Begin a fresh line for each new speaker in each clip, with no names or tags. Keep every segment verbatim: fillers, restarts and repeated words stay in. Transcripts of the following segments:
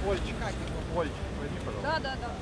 Ольчик, Ольчик, возьми, пожалуйста.
Да, да, да.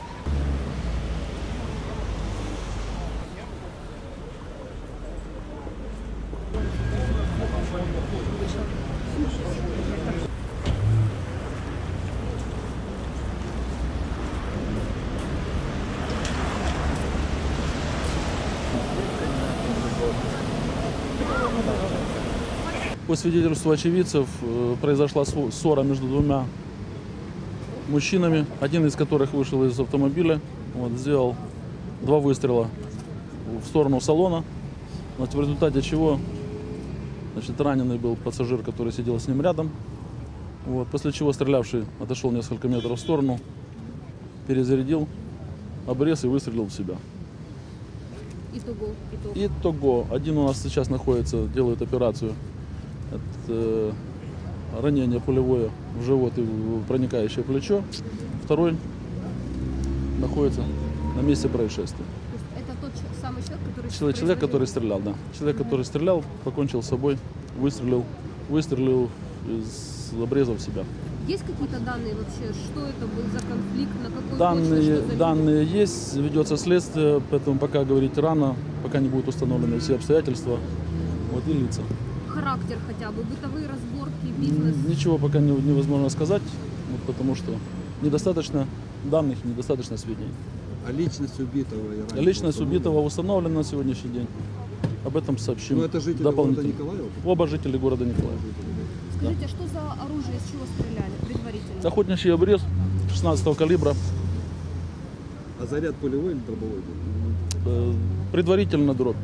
По свидетельству очевидцев произошла ссора между двумя мужчинами, один из которых вышел из автомобиля, вот, сделал два выстрела в сторону салона, вот, в результате чего, значит, раненый был пассажир, который сидел с ним рядом, вот, после чего стрелявший отошел несколько метров в сторону, перезарядил обрез и выстрелил в себя.
Итого, итого.
Итого. Один у нас сейчас находится, делает операцию. Это э, ранение пулевое в живот и в проникающее плечо. Второй находится на месте происшествия.
То есть это тот самый человек, который...
Человек, человек который стрелял, да. Человек, mm-hmm. который стрелял, покончил с собой, выстрелил, выстрелил из обреза в себя.
Есть какие-то данные вообще, что это был за конфликт, на какой
данные,
почве,
данные есть, ведется следствие, поэтому пока говорить рано, пока не будут установлены все обстоятельства, вот, и лица.
Характер хотя бы, бытовые разборки, бизнес?
Ничего пока не, невозможно сказать, вот, потому что недостаточно данных, недостаточно сведений.
А личность убитого?
И личность убитого установлена на сегодняшний день. Об этом сообщим.
Но это жители города Николаева?
Оба жители города Николаева.
Скажите,
да.
а что за оружие, из чего стреляли предварительно?
Охотничий обрез шестнадцатого калибра.
А заряд пулевой или дробовой был?
Предварительно дробь.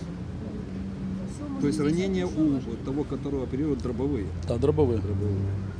То есть ранения у того, которого оперируют, дробовые?
Да, дробовые.
дробовые.